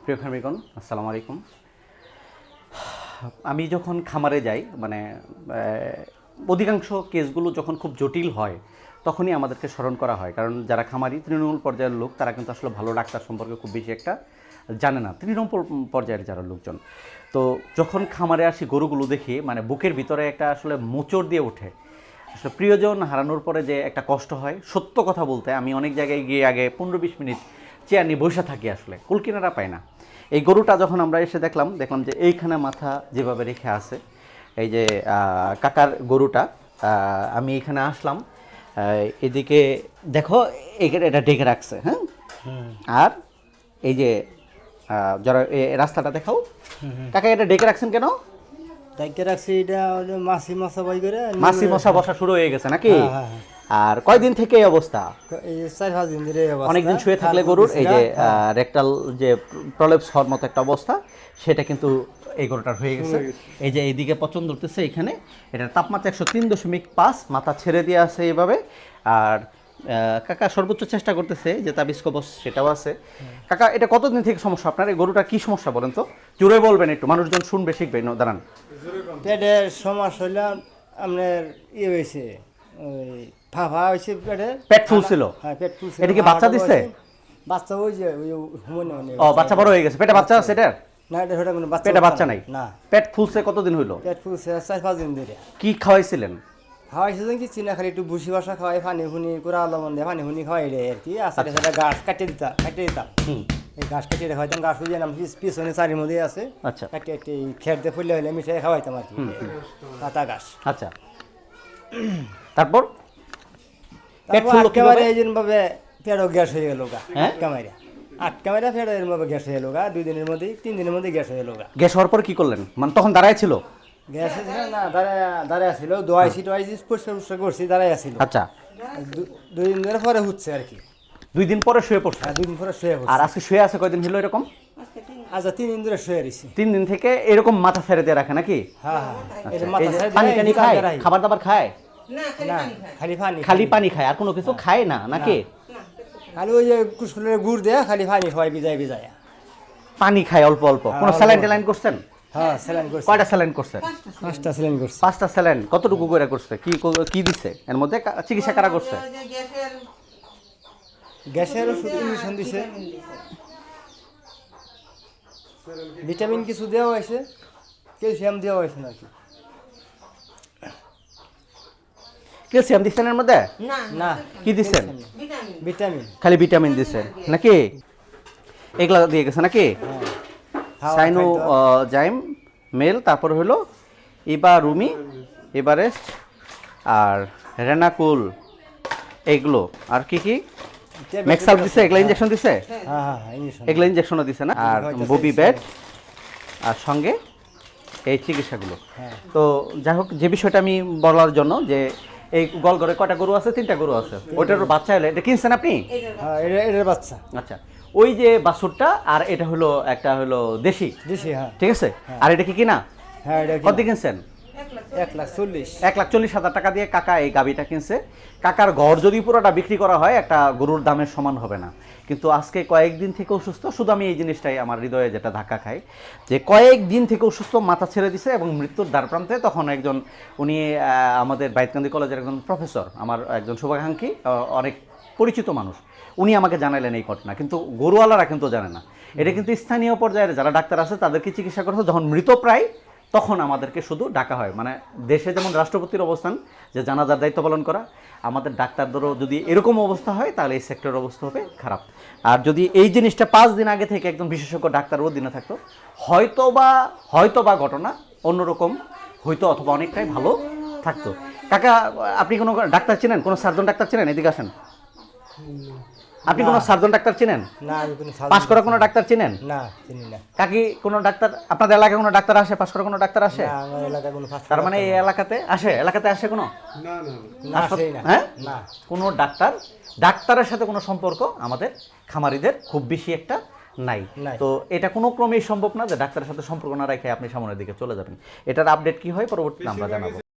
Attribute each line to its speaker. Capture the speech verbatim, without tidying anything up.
Speaker 1: প্রিয় খামারিগণ আসসালামু আলাইকুম। আমি যখন খামারে যাই মানে অধিকাংশ কেসগুলো যখন খুব জটিল হয় তখনই আমাদেরকে স্মরণ করা হয়, কারণ যারা খামারি তৃণমূল পর্যায়ের লোক তারা কিন্তু আসলে ভালো ডাক্তার সম্পর্কে খুব বেশি একটা জানে না, তৃণমূল পর্যায়ের যারা লোকজন। তো যখন খামারে আসি গরুগুলো দেখি মানে বুকের ভিতরে একটা আসলে মোচড় দিয়ে ওঠে। আসলে প্রিয়জন হারানোর পরে যে একটা কষ্ট হয়, সত্য কথা বলতে আমি অনেক জায়গায় গিয়ে আগে পনেরো বিশ মিনিট চেয়ার নিয়ে বসে থাকি, আসলে কুলকিনারা পাই না। এই গরুটা যখন আমরা এসে দেখলাম দেখলাম যে এইখানে মাথা যেভাবে রেখে আছে, এই যে কাকার গরুটা, আমি এখানে আসলাম, এদিকে দেখো এখানে এটা ডেকে রাখছে, হ্যাঁ। আর এই যে যারা রাস্তাটা দেখাও কাকা, এটা ডেকে রাখছেন কেন?
Speaker 2: ডেকে রাখছি এটা মাছি মশা বই করে
Speaker 1: মাছি মশা বসা শুরু হয়ে গেছে নাকি? আর কয়দিন থেকে এই অবস্থা?
Speaker 2: এই চার পাঁচ দিন ধরে অবস্থা।
Speaker 1: অনেকদিন শুয়ে থাকলে গরুর এই যে রেকটাল যে প্রলেপস হওয়ার মতো একটা অবস্থা, সেটা কিন্তু এই গরুটার হয়ে গেছে। এই যে এইদিকে পচন ধরতেছে, এখানে এটার তাপমাত্রা একশো তিন দশমিক পাঁচ, মাথা ছেড়ে দিয়ে আছে এইভাবে। আর কাকা সর্বোচ্চ চেষ্টা করতেছে যে তাবিজ কবচ সেটাও আছে। কাকা এটা কতদিন থেকে সমস্যা আপনার? এই গরুটার কি সমস্যা বলেন তো, জোরে বলবেন একটু, মানুষজন শুনবে শিখবে। দাঁড়ান,
Speaker 2: পেটের সমস্যা হইলে আপনার ইয়ে হয়েছে, ওই ফাফা হয়েছে পেটে,
Speaker 1: পেট ফুলছিল।
Speaker 2: হ্যাঁ পেট ফুলছিল।
Speaker 1: এটা কি বাচ্চা দিছে?
Speaker 2: বাচ্চা ওই যে ওই হুমনে।
Speaker 1: ও বাচ্চা বড় হয়ে গেছে, পেটে বাচ্চা আছে এটার?
Speaker 2: না এটা সেটা কোনো বাচ্চা,
Speaker 1: পেটে বাচ্চা নাই।
Speaker 2: না।
Speaker 1: পেট ফুলছে কতদিন হইলো?
Speaker 2: পেট ফুলছে চার পাঁচ দিন ধরে।
Speaker 1: কি খাওয়াইছিলেন?
Speaker 2: খাওয়াইছে কি চিনা, খালি একটু ভুসি বাসা খাওয়াই, পানি ফুনি করে আলমন দিয়ে পানি ফুনি খাওয়াই রে আর কি। আসলে সেটা ঘাস কাটিয়ে দিতাম, কাটিয়ে দিতাম। এই ঘাস কাটিয়ে খাওয়াইতাম, ঘাস বুঝিয়ে নাম পিছনে চারির মধ্যে আছে।
Speaker 1: আচ্ছা,
Speaker 2: কাটিয়ে একটি খের দিয়ে ফুললে হলে মিঠাই খাওয়াইতাম আর কি, কাঁচা ঘাস।
Speaker 1: আচ্ছা, তারপর
Speaker 2: একেবারে এই ভাবে পেটও গ্যাস হয়ে গেল গা, আটকা মাইরা আটকা মাইরা পেটও এর মধ্যে গ্যাস হয়ে গেল গা। দুই দিনের মধ্যে তিন দিনের মধ্যে গ্যাস হয়ে গেল গা।
Speaker 1: গ্যাস হওয়ার পর কি করলেন? মানে তখন দাঁড়ায় ছিল?
Speaker 2: গ্যাস না, দাঁড়ায় দাঁড়ায় ছিল, দোয়াইছি টোয়াইছি পরিষ্কার পরিষ্কার করছি, দাঁড়ায় আসছিল।
Speaker 1: আচ্ছা,
Speaker 2: দুই দিন ধরে পরে হচ্ছে আর কি।
Speaker 1: দুই দিন পরে শুয়ে পড়ছে?
Speaker 2: দুই দিন পরে শুয়ে পড়ছে।
Speaker 1: আর আজকে শুয়ে আছে কয়দিন হলো এরকম?
Speaker 2: আচ্ছা তিন দিন ধরে শুয়ে রয়েছি।
Speaker 1: তিন দিন থেকে এরকম মাথা ছেড়ে দিয়ে রাখে নাকি?
Speaker 2: হ্যাঁ হ্যাঁ।
Speaker 1: পানি টানি খায়, খাবার দাবার খায়?
Speaker 2: না, খালি পানি,
Speaker 1: খালি পানি খায়, আর কোনো কিছু খায় না নাকি?
Speaker 2: খালি ওই যে কুসকুলের গুড় দেয়া, খালি পানি খাওয়াই বিজায় বিজায়
Speaker 1: পানি খায় অল্প অল্প। কোনো স্যালাইন ট্যালাইন করছেন?
Speaker 2: হ্যাঁ স্যালাইন করছি।
Speaker 1: কয়টা স্যালাইন করছেন?
Speaker 2: পাঁচটা স্যালাইন করছি।
Speaker 1: পাঁচটা স্যালাইন কতটুকু করে করছে? কি কি দিছে এর মধ্যে? চিকিৎসা কারা করছে?
Speaker 2: গ্যাসের ওষুধ ইঞ্জেকশন দিছে, ভিটামিন কিছু দেওয়া হয়েছে, ক্যালসিয়াম দেওয়া হয়েছে নাকি?
Speaker 1: ক্যালসিয়াম দিচ্ছেন এর মধ্যে?
Speaker 2: না।
Speaker 1: কি দিচ্ছেন?
Speaker 2: ভিটামিন।
Speaker 1: খালি ভিটামিন দিচ্ছেন নাকি? এগুলা দিয়ে গেছে নাকি? সাইনো জাইম মেল, তারপর হলো ইবা রুমি, এভারেস্ট আর রেনাকুল, এগুলো আর কি কি মেক্সাল দিছে, এগুলা ইনজেকশন দিছে?
Speaker 2: হ্যাঁ হ্যাঁ ইনজেকশন,
Speaker 1: এগুলা ইনজেকশনও দিছে না? আর ববি ব্যাট আর সঙ্গে এই চিকিৎসাগুলো। তো যাই হোক, যে বিষয়টা আমি বলার জন্য যে এই গলঘরে কয়টা গরু আছে? তিনটা গরু আছে। ওইটার বাচ্চা হলে এটা কিনছেন আপনি?
Speaker 2: হ্যাঁ এটার বাচ্চা।
Speaker 1: আচ্ছা, ওই যে বাছুরটা আর এটা হলো একটা হলো দেশি।
Speaker 2: দেশি, হ্যাঁ
Speaker 1: ঠিক আছে। আর এটা কি কিনা?
Speaker 2: হ্যাঁ এটা
Speaker 1: কত কিনছেন?
Speaker 2: এক লাখ চল্লিশ
Speaker 1: এক লাখ চল্লিশ হাজার টাকা দিয়ে কাকা এই গাবিটা কিনছে। কাকার ঘর যদি পুরোটা বিক্রি করা হয় একটা গরুর দামের সমান হবে না। কিন্তু আজকে কয়েকদিন থেকে অসুস্থ, শুধু আমি এই জিনিসটাই আমার হৃদয়ে যেটা ধাক্কা খাই যে কয়েকদিন থেকে অসুস্থ, মাথা ছেড়ে দিছে এবং মৃত্যুর দ্বারপ্রান্তে। তখন একজন উনি আমাদের বাইতকান্দি কলেজের একজন প্রফেসর, আমার একজন শুভাকাঙ্ক্ষী, অনেক পরিচিত মানুষ, উনি আমাকে জানাইলেন এই ঘটনা, কিন্তু গরুওয়ালারা কিন্তু জানে না। এটা কিন্তু স্থানীয় পর্যায়ের যারা ডাক্তার আছে তাদেরকে চিকিৎসা করতে যখন মৃতপ্রায় তখন আমাদেরকে শুধু ডাকা হয়। মানে দেশে যেমন রাষ্ট্রপতির অবস্থান যে জানাজার দায়িত্ব পালন করা, আমাদের ডাক্তারদেরও যদি এরকম অবস্থা হয় তাহলে এই সেক্টরের অবস্থা হবে খারাপ। আর যদি এই জিনিসটা পাঁচ দিন আগে থেকে একদম বিশেষজ্ঞ ডাক্তার অধীনে থাকতো, হয়তো বা হয়তো বা ঘটনা অন্যরকম হয়তো, অথবা অনেকটাই ভালো থাকতো। কাকা আপনি কোনো ডাক্তার চেনেন? কোনো সার্জন ডাক্তার চেনেন? এদিকে আসেন। আপনি কোনো সার্জন ডাক্তার চিনেন?
Speaker 2: না। আমি কোনো
Speaker 1: পাস করা কোনো ডাক্তার চিনেন?
Speaker 2: না, চিনি না।
Speaker 1: কাকি কোনো ডাক্তার আপনাদের এলাকায় কোনো ডাক্তার আসে? পাস করা কোনো ডাক্তার আসে?
Speaker 2: না, আমার এলাকায় কোনো পাস।
Speaker 1: তার মানে এই এলাকাতে আসে? এলাকাতে আসে কোনো?
Speaker 2: না না না।
Speaker 1: হ্যাঁ
Speaker 2: না,
Speaker 1: কোনো ডাক্তার ডাক্তারের সাথে কোনো সম্পর্ক আমাদের খামারিদের খুব বেশি একটা নাই। তো এটা কোনো ক্রমেই সম্ভব না যে ডাক্তারের সাথে সম্পর্ক না রেখে আপনি সামনের দিকে চলে যাবেন। এটার আপডেট কি হয় পরবর্তীতে আমরা জানাবো।